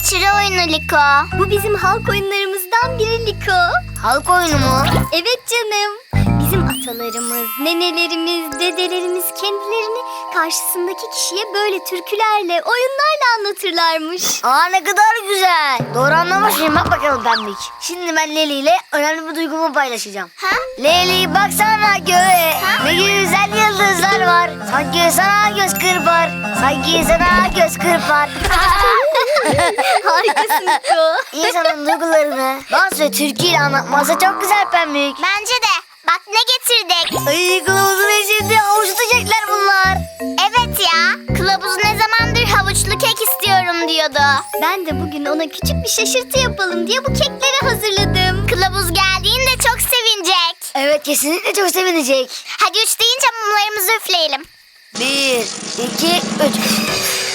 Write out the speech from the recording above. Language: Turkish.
aşırı oyunu Liko. Bu bizim halk oyunlarımızdan biri Liko. Halk oyunu mu? Evet canım. Bizim atalarımız, nenelerimiz, dedelerimiz kendilerini karşısındaki kişiye böyle türkülerle, oyunlarla anlatırlarmış. Aa, ne kadar güzel. Doğru anlamışım. Bak bakalım Pembik. Şimdi ben Leli ile önemli bir duygumu paylaşacağım. Ha? Leli baksana göğe. Ha? Ne güzel yıldızlar var. Sanki sana göz kırpar. Sanki sana göz kırpar. Harikasın Liko. İnsanın duygularını dans ve türküyle anlatması çok güzel Pembik. Bence de. Bak ne getirdik. Ay, kılavuzun eşinde avuç tutacaklar bunlar. Evet ya. Kılavuz ne zamandır havuçlu kek istiyorum diyordu. Ben de bugün ona küçük bir şaşırtı yapalım diye bu kekleri hazırladım. Kılavuz geldiğinde çok sevinecek. Evet, kesinlikle çok sevinecek. Hadi 3 deyince mumlarımızı üfleyelim. 1, 2, 3.